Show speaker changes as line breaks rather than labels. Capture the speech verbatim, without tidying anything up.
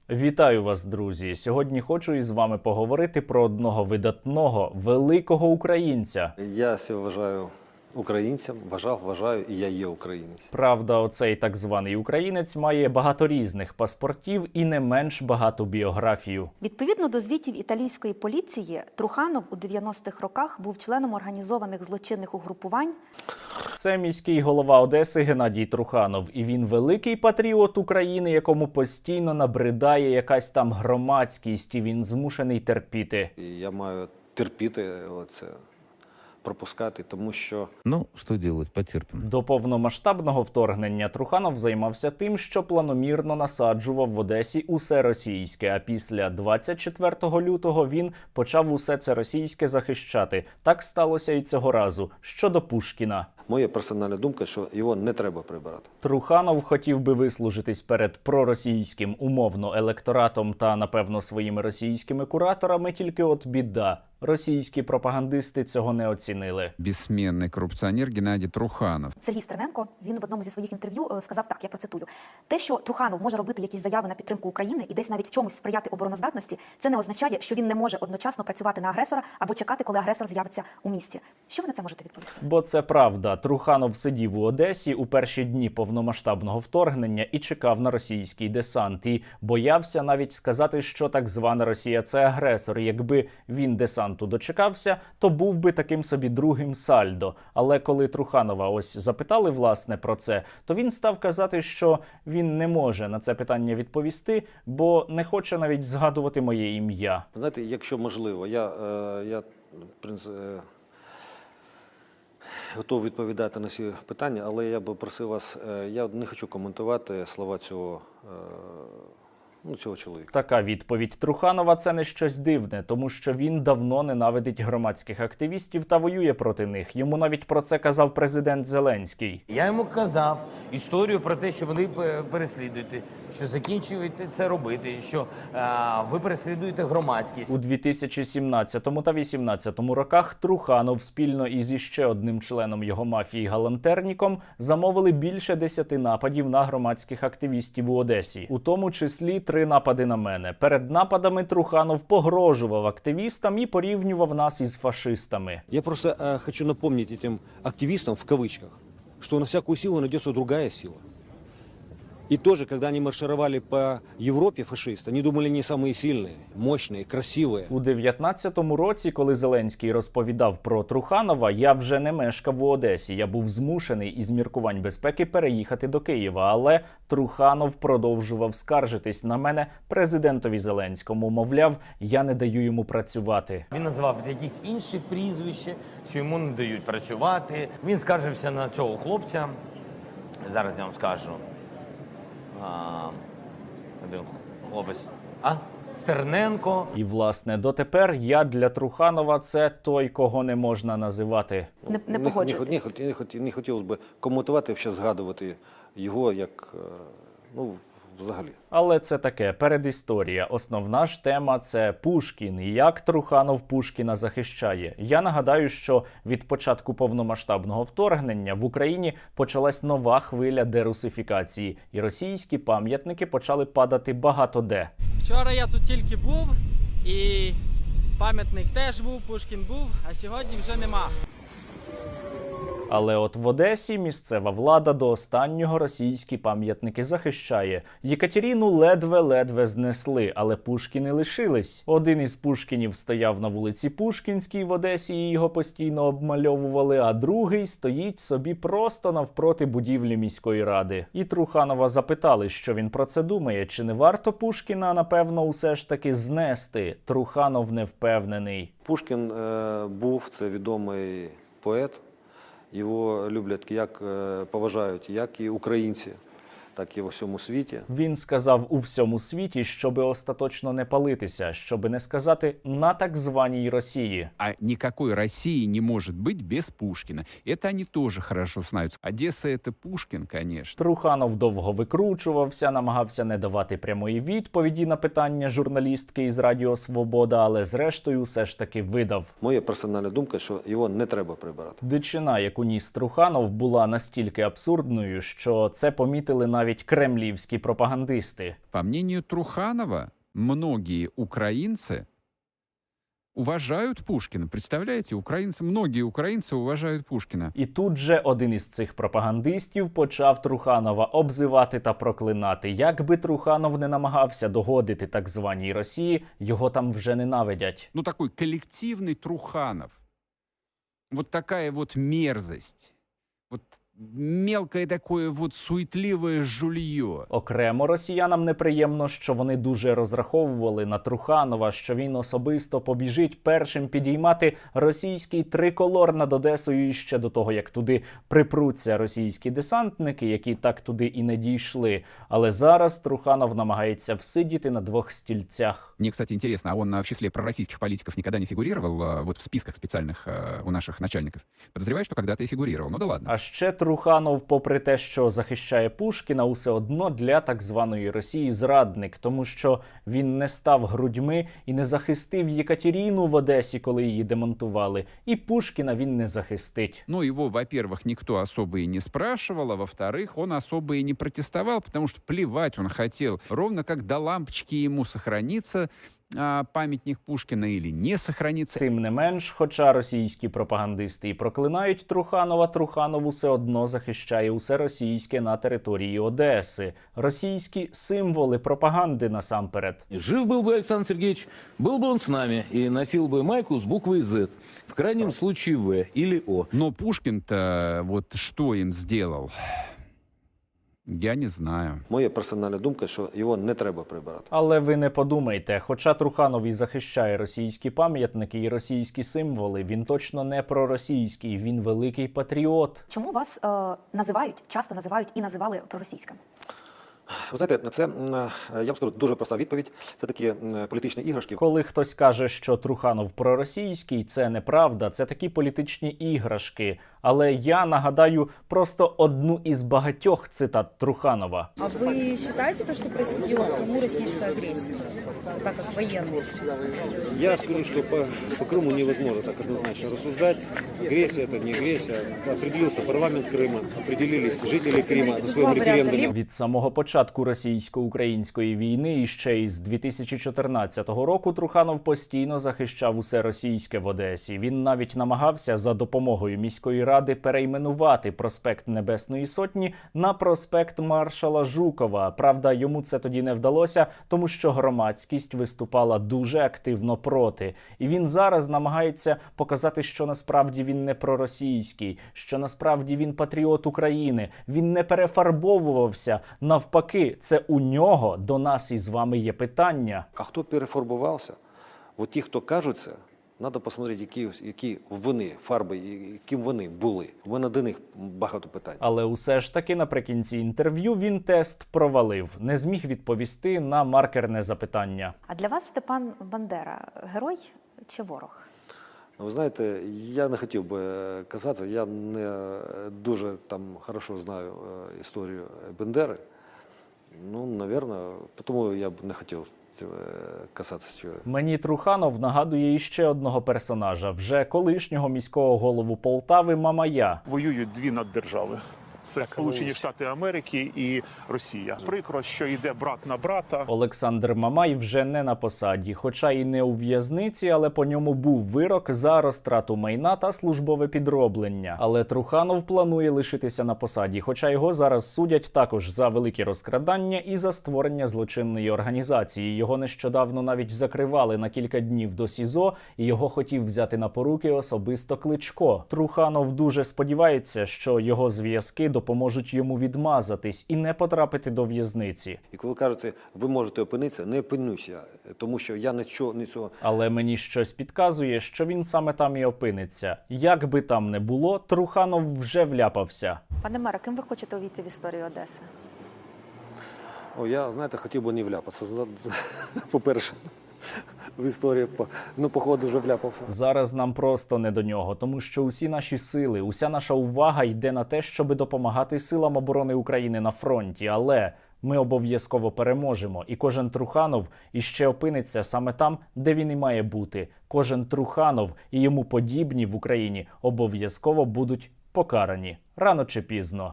Вітаю вас, друзі! Сьогодні хочу із вами поговорити про одного видатного, великого українця.
Я себе вважаю українцем, вважав, вважаю, і я є українець.
Правда, оцей так званий українець має багато різних паспортів і не менш багату біографію.
Відповідно до звітів італійської поліції, Труханов у дев'яностих роках був членом організованих злочинних угрупувань.
Це міський голова Одеси Геннадій Труханов. І він великий патріот України, якому постійно набридає якась там громадськість, і він змушений терпіти.
І я маю терпіти оце, пропускати, тому що...
Ну, що делать, потерпимо.
До повномасштабного вторгнення Труханов займався тим, що планомірно насаджував в Одесі усе російське, а після двадцять четвертого лютого він почав усе це російське захищати. Так сталося і цього разу. Щодо Пушкіна.
Моя персональна думка, що його не треба прибирати.
Труханов хотів би вислужитись перед проросійським умовно електоратом та, напевно, своїми російськими кураторами, тільки от біда. Російські пропагандисти цього не оцінили.
Безсменний корупціонер Геннадій Труханов.
Сергій Стерненко, він в одному зі своїх інтерв'ю е, сказав так, я процитую. Те, що Труханов може робити якісь заяви на підтримку України і десь навіть в чомусь сприяти обороноздатності, це не означає, що він не може одночасно працювати на агресора або чекати, коли агресор з'явиться у місті. Що ви на це можете відповісти?
Бо це правда. Труханов сидів у Одесі у перші дні повномасштабного вторгнення і чекав на російський десант. І боявся навіть сказати, що так звана Росія – це агресор. Якби він десанту дочекався, то був би таким собі другим Сальдо. Але коли Труханова ось запитали, власне, про це, то він став казати, що він не може на це питання відповісти, бо не хоче навіть згадувати моє ім'я.
Знаєте, якщо можливо, я, е, я принц, е, готовий відповідати на ці питання, але я би просив вас, е, я не хочу коментувати слова цього, е, ну, цього чоловіка.
Така відповідь Труханова – це не щось дивне, тому що він давно ненавидить громадських активістів та воює проти них. Йому навіть про це казав президент Зеленський.
Я йому казав історію про те, що вони переслідуєте, що закінчуєте це робити, що а, ви переслідуєте громадськість.
У дві тисячі сімнадцятому та дві тисячі вісімнадцятому роках Труханов спільно із іще одним членом його мафії Галантерніком замовили більше десяти нападів на громадських активістів у Одесі, у тому числі три напади на мене. Перед нападами Труханов погрожував активістам і порівнював нас із фашистами.
Я просто э, хочу напомнить этим активистам, в кавычках, что на всякую силу найдется другая сила. И тоже, когда они маршировали по Европе, фашисты, они думали, они самые сильные, мощные, красивые.
У дев'ятнадцятому році, коли Зеленський розповідав про Труханова, я вже не мешкав у Одесі. Я був змушений із міркувань безпеки переїхати до Києва, але Труханов продовжував скаржитись на мене президентові Зеленському. Мовляв, я не даю йому працювати.
Він називав якісь інші прізвища, що йому не дають працювати. Він скаржився на цього хлопця. Зараз я вам скажу. А, один хлопець. А? Стерненко.
І, власне, дотепер я для Труханова – це той, кого не можна називати.
Не, не
Не,
погоджуєтесь?
не, не, не, не хотілося б коментувати, ще згадувати його як, е, ну, взагалі.
Але це таке, передісторія. Основна ж тема – це Пушкін. І як Труханов Пушкіна захищає. Я нагадаю, що від початку повномасштабного вторгнення в Україні почалась нова хвиля дерусифікації. І російські пам'ятники почали падати багато де.
Вчора я тут тільки був, і пам'ятник теж був, Пушкін був, а сьогодні вже нема.
Але от в Одесі місцева влада до останнього російські пам'ятники захищає. Єкатеріну ледве-ледве знесли, але Пушкіни лишились. Один із Пушкінів стояв на вулиці Пушкінській в Одесі і його постійно обмальовували, а другий стоїть собі просто навпроти будівлі міської ради. І Труханова запитали, що він про це думає, чи не варто Пушкіна, напевно, усе ж таки знести. Труханов не впевнений.
Пушкін е, був, це відомий поет. Його люблять, як е, поважають, як і українці, так і во всьому світі.
Він сказав у всьому світі, щоби остаточно не палитися, щоби не сказати на так званій Росії.
А никакой России не может быть без Пушкина. Это они тоже хорошо знают. Одесса — это Пушкин, конечно.
Труханов довго викручувався, намагався не давати прямої відповіді на питання журналістки із Радіо Свобода, але зрештою все ж таки видав.
Моя персональна думка, що його не треба прибирати.
Дичина, яку ніс Труханов, була настільки абсурдною, що це помітили навіть навіть кремлівські пропагандисти.
По мнению Труханова, многие украинцы уважают Пушкина. Представляете, украинцы, многие украинцы уважают Пушкина.
І тут же один із цих пропагандистів почав Труханова обзивати та проклинати. Як би Труханов не намагався догодити так званій Росії, його там вже ненавидять.
Ну, такой коллективный Труханов. Вот такая вот мерзость. Вот мелкое такое вот суетливое жулье.
Окремо росіянам неприємно, що вони дуже розраховували на Труханова, що він особисто побіжить першим підіймати російський триколор над Одесою ще до того, як туди припруться російські десантники, які так туди і не дійшли. Але зараз Труханов намагається всидіти на двох стільцях.
Мне, кстати, интересно, а он а, в числе пророссийских политиков никогда не фигурировал а, вот в списках специальных а, у наших начальников? Подозреваю, что когда-то и фигурировал. Ну да ладно.
А ще Труханов, попри те, що захищає Пушкіна, усе одно для так званої Росії зрадник, тому що він не став грудьми і не захистив Єкатеріну в Одесі, коли її демонтували. І Пушкіна він не захистить.
Но его, во-первых, никто особо и не спрашивал, а во-вторых, он особо и не протестовал, потому что плевать он хотел. Ровно как до лампочки ему сохранится а, памятник Пушкина или не сохранится.
Тим не менш, хоча російські пропагандисти і проклинають Труханова, Труханов усе одно захищає усе російське на території Одеси. Російські символи пропаганди насамперед.
Жив был бы Александр Сергеевич, был бы он с нами и носил бы майку с буквой «З», в крайнем случае «В» или «О».
Но Пушкин-то вот что им сделал? Я не знаю.
Моя персональна думка, що його не треба прибирати.
Але ви не подумайте, хоча Труханов і захищає російські пам'ятники і російські символи, він точно не проросійський, він великий патріот.
Чому вас е, називають, часто називають і називали проросійським?
Ви знаєте, це, м, я вам скажу, дуже проста відповідь. Це такі м, політичні іграшки.
Коли хтось каже, що Труханов проросійський, це неправда, це такі політичні іграшки. Але я нагадаю просто одну із багатьох цитат Труханова.
А вы считаете то, что происходила в Крыму российская агрессия, вот так как военные?
Я скажу, что по, по Крыму невозможно так однозначно рассуждать. Агрессия это не агрессия. Определился парламент Крыма, определились жители Крыма на своем референдуме.
Від самого початку російсько-української війни і ще із дві тисячі чотирнадцятого року Труханов постійно захищав усе російське в Одесі. Він навіть намагався за допомогою міської ради перейменувати проспект Небесної Сотні на проспект Маршала Жукова. Правда, йому це тоді не вдалося, тому що громадськість виступала дуже активно проти. І він зараз намагається показати, що насправді він не проросійський, що насправді він патріот України. Він не перефарбовувався. Навпаки, це у нього до нас із вами є питання.
А хто перефарбувався? От ті, хто кажуть це, треба посмотрети, які, які вони, фарби, яким вони були. У мене до них багато питань.
Але усе ж таки наприкінці інтерв'ю він тест провалив. Не зміг відповісти на маркерне запитання.
А для вас Степан Бандера – герой чи ворог?
Ви знаєте, я не хотів би казати, я не дуже там хорошо знаю е, історію Бендери. Ну, напевно, тому я б не хотів цього казати. Цього.
Мені Труханов нагадує іще одного персонажа, вже колишнього міського голову Полтави Мамая.
Воюють дві наддержави. Це Сполучені Штати Америки і Росія. Прикро, що йде брат на брата.
Олександр Мамай вже не на посаді, хоча і не у в'язниці, але по ньому був вирок за розтрату майна та службове підроблення. Але Труханов планує лишитися на посаді, хоча його зараз судять також за великі розкрадання і за створення злочинної організації. Його нещодавно навіть закривали на кілька днів до СІЗО, і його хотів взяти на поруки особисто Кличко. Труханов дуже сподівається, що його зв'язки допоможуть йому відмазатись і не потрапити до в'язниці.
І коли кажете, ви можете опинитися, не опинюся, тому що я нічого, нічого.
Але мені щось підказує, що він саме там і опиниться. Як би там не було, Труханов вже вляпався.
Пане мере, ким ви хочете увійти в історію Одеси?
О, я, знаєте, хотів би не вляпатися, по-перше. В історії, ну, походу, вже вляпався.
Зараз нам просто не до нього, тому що усі наші сили, уся наша увага йде на те, щоб допомагати силам оборони України на фронті. Але ми обов'язково переможемо. І кожен Труханов іще опиниться саме там, де він і має бути. Кожен Труханов і йому подібні в Україні обов'язково будуть покарані. Рано чи пізно.